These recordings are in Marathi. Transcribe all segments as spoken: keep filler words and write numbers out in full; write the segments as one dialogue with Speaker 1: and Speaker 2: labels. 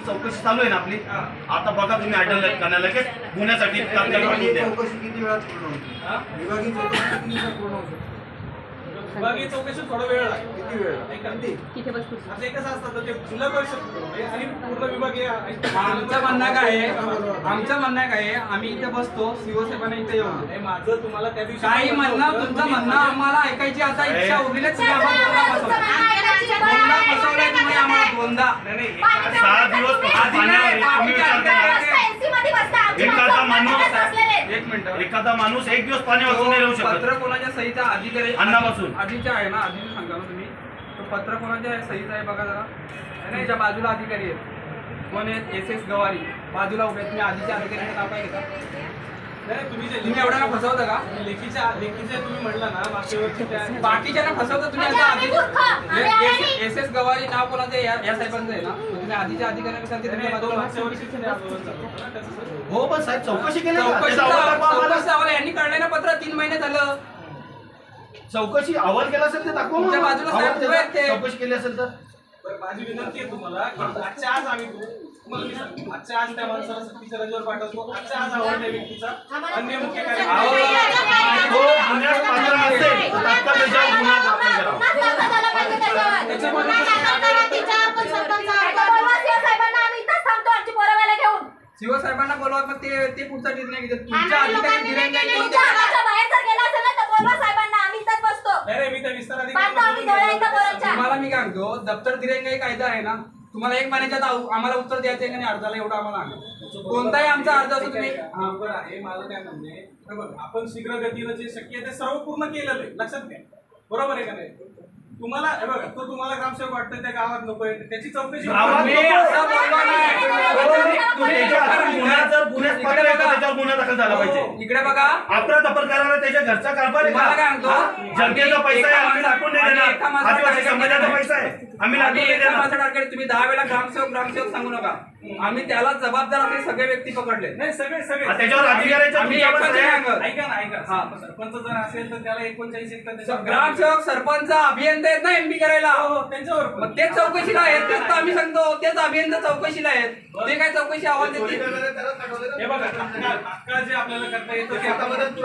Speaker 1: चौकशी चालू आहे ना आपली. आता बघा तुम्ही अटल करण्या लगेच गुन्ह्यासाठी
Speaker 2: चौकशी किती वेळात पूर्ण होती? विभागीय चौकशी किती दिवसात पूर्ण होती?
Speaker 3: विभागीय चौकशी थोडा वेळ लागतो.
Speaker 2: किती वेळ?
Speaker 3: किती? आता एक कसं असतं ते जिल्हा परिषद आणि पूर्ण विभागीय.
Speaker 4: आमचं म्हणणं काय आहे, आमचं म्हणणं काय आहे, आम्ही इथे बसतो शिवसेना इथे येऊन
Speaker 3: हे माझं तुम्हाला त्या दिवशी
Speaker 4: काही म्हणणं तुमचं म्हणणं आम्हाला ऐकायची आता इच्छा उरलीच नाही. आम्हाला दोनदा फसवलंय तुम्ही आम्हाला दोनदा.
Speaker 1: सहा दिवस एखादा माणूस
Speaker 4: एक मिनिट,
Speaker 1: एखादा माणूस एक दिवस पाणी वाचून नाही राहू शकत.
Speaker 4: पत्र कोणाच्या सहीचा अधिकारी
Speaker 1: अन्नापासून
Speaker 4: आधीच्या आहे ना, आधीच सांगा ना तुम्ही. तो पत्र कोणाच्या सहीचा आहे बघा जरा. त्यांच्या बाजूला अधिकारी आहेत कोण आहेत? एस एस गवारी बाजूला उभे आहेत. तुम्ही आधीच्या अधिकाऱ्यांचं नाव काय घेता?
Speaker 3: तुम्ही जे
Speaker 4: तुम्ही एवढ्याला फसवता का?
Speaker 3: लेखीच्या लेखीचे तुम्ही म्हटलं ना मागच्या वर्षी त्या-
Speaker 4: बाकीच्यांना फसवता तुम्ही. आता आधी एस एस गवारी नाव कोणाचं या या साहेबांचं आहे ना. तुम्ही आधीच्या अधिकाऱ्यांना सांगते तुम्ही
Speaker 3: दोन
Speaker 4: बाजूला
Speaker 3: मागच्या वर्षीचे नाही आंदोलन चालू होतं ना, त्याचं
Speaker 1: हो पण साहेब चौकशी केली ना.
Speaker 4: चौकशी
Speaker 1: त्याचा अहवाल दाखवा आम्हाला.
Speaker 4: चौकशी अहवाल यांनी काढलंय ना पत्र. तीन महिने झालं.
Speaker 1: चौकशी अहवाल केला असेल ते दाखवा
Speaker 4: तुमच्या
Speaker 1: मला.
Speaker 4: बाजूला
Speaker 1: अहवाल
Speaker 4: साहेब उभे आहेत ते.
Speaker 1: चौकशी केली असेल तर
Speaker 3: बरं, माझी विनंती आहे तुम्हाला की आजच्या आज आम्ही तुम्हाला मी सांगतो, आजच्या आज त्या माणसाला सक्तीच्या रजेवर पाठवतो. आजच्या आज आवड त्या व्यक्तीचा अन्य मुख्य
Speaker 1: तो
Speaker 3: कार्यक्रम
Speaker 1: गुन्ह्यात पात्र असेल तर तात्काळ त्याच्यावर गुन्हा दाखल करावा.
Speaker 4: शिवसाहेबांना बोलवा मग ते ते पुढचा निर्णय घेतात. तुमच्या अधिकारी निर्णय कोणते?
Speaker 3: नाही रे, मी त्या विस्तार
Speaker 4: तुम्हाला मी काय म्हणतो, दप्तर दिरंगाई कायदा आहे ना. तुम्हाला एक महिन्याच्यात आऊ- आम्हाला उत्तर द्यायचं आहे का नाही अर्जाला, एवढं आम्हाला सांगा. कोणताही आमचा अर्ज असो तुम्ही.
Speaker 3: बरोबर आहे. माझं काय म्हणणं आहे, बरोबर आपण शीघ्र गतीनं जे शक्य आहे ते सर्व पूर्ण केलेलं आहे. लक्षात घ्या. बरोबर आहे का नाही? तुम्हाला हे बघा, तो तुम्हाला ग्रामसेवक वाटतं त्या गावात नकोय, त्याची चौकशी
Speaker 1: गावात
Speaker 4: मी
Speaker 1: नको.
Speaker 4: असं बोललो नाही.
Speaker 1: त्याच्या गुन्हा जर गुन्ह्यात पात्र आहे तर त्याच्यावर गुन्हा दाखल झाला पाहिजे.
Speaker 4: इकडे बघा,
Speaker 1: आपला तपर करायला त्याच्या घरचा कारभार आहे
Speaker 4: तुम्हाला काय
Speaker 1: का?
Speaker 4: म्हणतो,
Speaker 1: हा? जनतेचा पैसा आहे, आम्ही टाकून नाही
Speaker 4: आम्ही एका
Speaker 1: देणार.
Speaker 4: माणसाला
Speaker 1: आदिवासी
Speaker 4: टार्गेट
Speaker 1: समाजाचा
Speaker 4: केलं.
Speaker 1: पैसा आहे, आम्ही लागून
Speaker 4: आम्ही
Speaker 1: नाही
Speaker 4: एका
Speaker 1: देणार.
Speaker 4: माणसाला टार्गेट, तुम्ही दहा वेळा ग्रामसेवक ग्रामसेवक सांगू नका. आम्ही त्याला जबाबदार असे सगळे व्यक्ती पकडले.
Speaker 3: नाही सगळे सगळे
Speaker 1: हा, त्याच्यावर अधिकाऱ्याच्या
Speaker 4: आम्ही
Speaker 1: तुमच्यावर
Speaker 4: एकच
Speaker 1: सह्या-
Speaker 4: सांगत.
Speaker 3: ऐका ना ऐका
Speaker 4: हा.
Speaker 3: सरपंच जर असेल तर त्याला एकोणचाळीस एक
Speaker 4: ग्रामसेवक सरपंच अभियंता आहेत ना एमपी करायला.
Speaker 3: त्यांच्यावर
Speaker 4: मग तेच चौकशीला आहेत. तेच तर आम्ही सांगतो, तेच अभियंता चौकशीला आहेत. ते काय चौकशी आवाज देतील?
Speaker 3: हे बघा तात्काळ तात्काळ जे आपल्याला करता येतं ते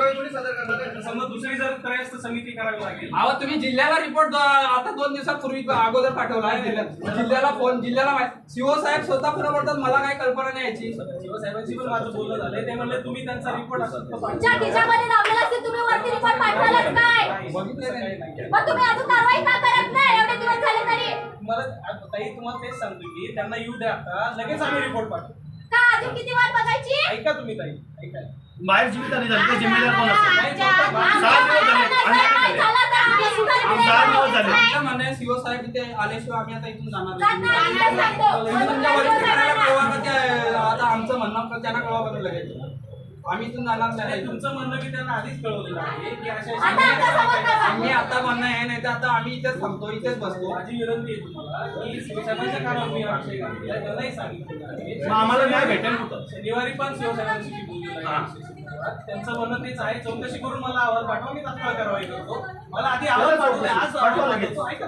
Speaker 3: आपण- समजा दुसरी जर त्रयस्थ समिती करावी लागेल.
Speaker 4: अहो तुम्ही जिल्ह्याला रिपोर्ट आता दोन दिवसापूर्वी अगोदर पाठवला जिल्ह्यात. जिल्ह्याला फोन जिल्ह्याला शिव साहेब स्वतः पुन्हा बोलतात मला काय कल्पना नाही याची.
Speaker 3: शिवसाहेबांशी पण माझं बोलणं झालंय. ते म्हणले तुम्ही त्यांचा रिपोर्ट असतो
Speaker 5: तुमच्या खिशामध्ये लावलेला असेल, तुम्ही वरती रिपोर्ट पाठवालच काय?
Speaker 4: बघितलं नाही.
Speaker 5: मग तुम्ही अजून कारवाई का करत नाही एवढे दिवस झाले तरी?
Speaker 3: तुम्हाला ताई तुम्हाला तेच सांगतो की त्यांना येऊ द्या आता, लगेच आम्ही रिपोर्ट पाठवू.
Speaker 5: का अजून किती वाट बघायची?
Speaker 3: ऐका तुम्ही ताई ऐका.
Speaker 1: बाहेर जीवित आणि झाली जिम्मेदार कोण असेल?
Speaker 5: आमच्या-
Speaker 1: सहा दिवस झाले.
Speaker 5: काय झालं तर आम्ही सुधारित
Speaker 1: आम- सहा दिवस झाले.
Speaker 4: आमचं म्हणणं आहे शिव साहेब इथे आल्याशिवाय आम्ही आता इथून जाणार
Speaker 5: जाणार
Speaker 4: नाही.
Speaker 5: नाही, इथं सांगतो.
Speaker 4: तुम्ही तुमच्या वरिष्ठ कार्यालयाला कळवा का ते- आता आमचं म्हणणं त्यांना कळवा का लगेच. आम्ही इथून जाणार
Speaker 3: आणि
Speaker 4: नाही.
Speaker 3: तुमचं म्हणणं मी त्यांना आधीच कळवलेलं आहे की अशा
Speaker 5: आता आमच्या समोर कळवा.
Speaker 4: आम्ही आता म्हणणं आहे नाही तर आता आम्ही इथेच थांबतो, इथेच बसतो.
Speaker 3: माझी विनंती आहे तुम्हाला की शिवसाहेबांच्या कानावर मी आक्षेप घातलेला आहे. त्यांनाही सांगितलेलं आहे.
Speaker 1: मग आम्हाला न्याय भेटेल कुठं?
Speaker 3: शनिवारी पण शिवसाहेबांशी मी बोललेलो आहे. त्यांचं म्हणणं तेच आहे, चौकशी करून मला अहवाल पाठवा, मी तात्काळ कारवाई करतो. मला आधी अहवाल पाठवले, आज
Speaker 1: पाठवा
Speaker 3: अहवाल
Speaker 1: लगेच.
Speaker 3: पाठवतो. ऐका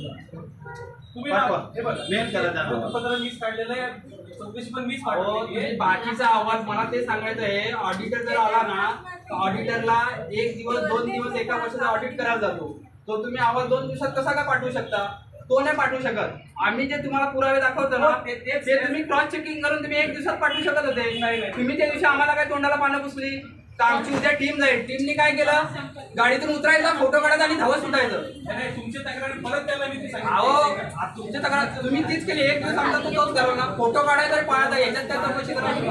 Speaker 3: तुम्ही
Speaker 1: पाठवा.
Speaker 3: हे बघा
Speaker 1: मेल करा त्यांना.
Speaker 3: पत्र मीच काढलेलं आहे, चौकशी पण मीच
Speaker 4: हो,
Speaker 3: पाठवली
Speaker 4: तुम्ही
Speaker 3: आहे.
Speaker 4: बाकीचा आवाज मला ते सांगायचं आहे. ऑडिटर जर आला ना तर ऑडिटरला एक दिवस दोन दिवस एका वर्षाचा ऑडिट करायला जातो. तो तुम्ही आवाज दोन दिवसात कसा काय पाठवू शकता? तो नाही पाठवू शकत. आम्ही जे तुम्हाला पुरावे दाखवतो ना ते ते तुम्ही क्रॉस चेकिंग करून तुम्ही एक दिवसात पाठवू शकत होते.
Speaker 3: नाही, नाही.
Speaker 4: तुम्ही त्या दिवशी आम्हाला काय तोंडाला पानं पुसली तर आमची उद्या टीम जाईल. टीमने काय केलं, गाडीतून उतरायचं, फोटो काढायचा आणि धावत सुटायचं.
Speaker 3: नाही, तुमची तक्रारी परत त्याला मी ती
Speaker 4: अहो
Speaker 3: सांगितली.
Speaker 4: आ- तुमच्या तक्रार तुम्ही तीच केली. एक दिवस आमचा तो तोच करा ना, फोटो काढायचा आणि पाहायचा, याच्यात काय चौकशी करायची.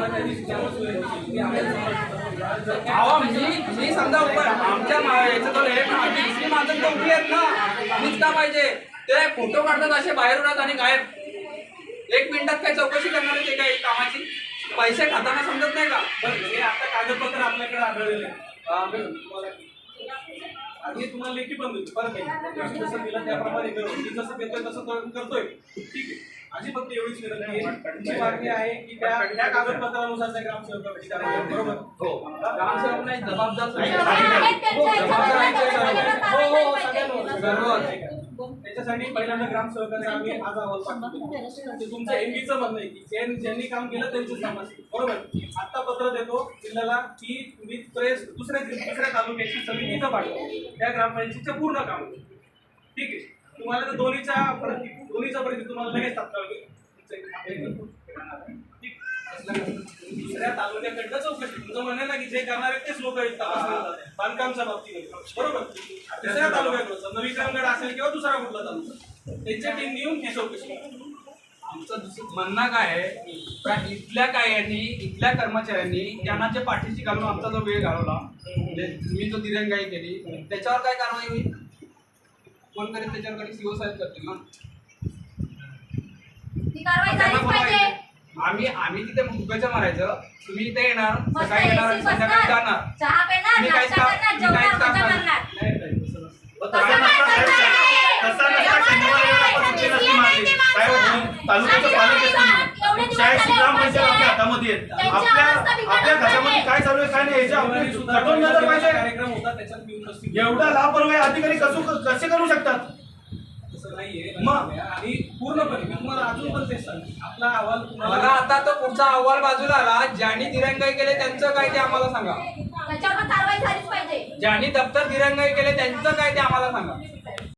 Speaker 4: अहो मी मी समजा उभं आमच्या मा- याच्यात आलोय, पण आमची दुसरी माणसं तर उभी आहेत ना. मीच का पाहिजे ते फोटो काढतात असे बाहेर उडत आणि गायब. एक मिनिटात काय चौकशी करणार आहे ते काय कामाची? पैसे खाताना समजत नाही का?
Speaker 3: बरं, हे आता कागदपत्र आपल्याकडे आढळलेले आहे. आधी तुम्हाला लेखी पण देतो परत एकदा. जसं दिलं त्याप्रमाणे करू. मी जसं देतोय तसं तो करतोय. ठीक आहे. माझी फक्त एवढीच विनंती आहे. तुमची मागणी आहे की त्या त्या कागदपत्रानुसार त्या ग्रामसेवकाची कारवाई करा. बरोबर
Speaker 4: हो. ग्रामसेवक नाही, जबाबदार
Speaker 5: आहेत त्यांच्या
Speaker 4: जबाबदार
Speaker 5: याच्यामध्ये
Speaker 4: आहे.
Speaker 5: त्यांच्या
Speaker 3: हो हो
Speaker 5: कारवाई
Speaker 3: सगळ्यांवर
Speaker 4: सर्व.
Speaker 3: ऐका. त्याच्यासाठी पहिल्यांदा ग्रामसेवकांना आम्ही आज अहवाल पाठवतो. ते तुमचं एमबीचं म्हणणं आहे की ज्यां- ज्यांनी काम केलं त्यांचं काम असेल, बरोबर. आता पत्र देतो जिल्ह्याला की तुम्ही प्रेस दुसऱ्या दुसऱ्या तालुक्याची समिती इथं पाठवा त्या ग्रामपंचायतीचं पूर्ण काम. ठीक आहे, तुम्हाला तर दोन्हीच्या प्रति दोन्हीचा प्रति तुम्हाला लगेच तात्काळ मिळेल. ठीक. दुसऱ्या तालुक्याकडनं चौकशी, तुमचं म्हणणं ना की जे करणारे तेच लोक बांधकामच्या बाबतीमध्ये, बरोबर. दुसऱ्या तालुक्याकडचं नवीकरणगड असेल किंवा दुसरा कुठला तालुका त्यांच्या टीम येऊन ती चौकशी करा.
Speaker 4: आमचं दुसरं म्हणणं काय आहे का इथल्या काय यांनी इथल्या कर्मचाऱ्यांनी त्यांना जे पाठीशी घालून आमचा जो वेळ घालवला, म्हणजे मी जो दिरंगाई केली त्याच्यावर काय कारवाई होईल? कोण करेल त्याच्यावर? कधी सीओ साहेब करतील ना.
Speaker 5: ती कारवाई झालीच पाहिजे.
Speaker 4: आम्ही आम्ही तिथे मुगाच्या मारायचं, तुम्ही इथे येणार,
Speaker 5: मस्त
Speaker 4: सकाळी येणार आणि
Speaker 5: एसी
Speaker 4: संध्याकाळी
Speaker 5: बसणार,
Speaker 4: जाणार.
Speaker 5: चहा पेणार,
Speaker 4: तुम्ही काहीच
Speaker 5: नाश्ता
Speaker 4: काम
Speaker 5: करणार,
Speaker 4: तुम्ही काहीच
Speaker 5: जेवणार,
Speaker 4: काम
Speaker 5: मजा
Speaker 4: करणार
Speaker 5: करणार.
Speaker 4: नाही. नाही, तसं नसतं.
Speaker 1: तसं नसता साहेब. तसं नसता शनिवारी एवढा पद्धती नसती मारली. साहेब, तालुक्याचं पालक आहेत तुम्ही. शाळेची ग्रामपंचायत आपल्या हातामध्ये आहे. आपल्या आपल्या घरामध्ये काय चालू आहे काय नाही याची आपली कठोर नजर पाहिजे.
Speaker 3: कार्यक्रम होता त्याच्यात मी उपस्थित
Speaker 1: एवढा लापरवाही अधिकारी कसं कसे करू शकतात?
Speaker 3: तसं नाहीये.
Speaker 1: मग?
Speaker 3: आणि पूर्णपणे मी तुम्हाला अजून पण तेच सांगतो, आपला अहवाल
Speaker 4: मला
Speaker 3: तुम्हाला
Speaker 4: आता तो पुढचा अहवाल बाजूला आला. ज्यांनी दिरंगाई केले त्यांचं काय ते आम्हाला सांगा.
Speaker 5: त्याच्यावर कारवाई झालीच पाहिजे.
Speaker 4: ज्यांनी दप्तर दिरंगाई केले त्यांचं काय ते आम्हाला सांगा.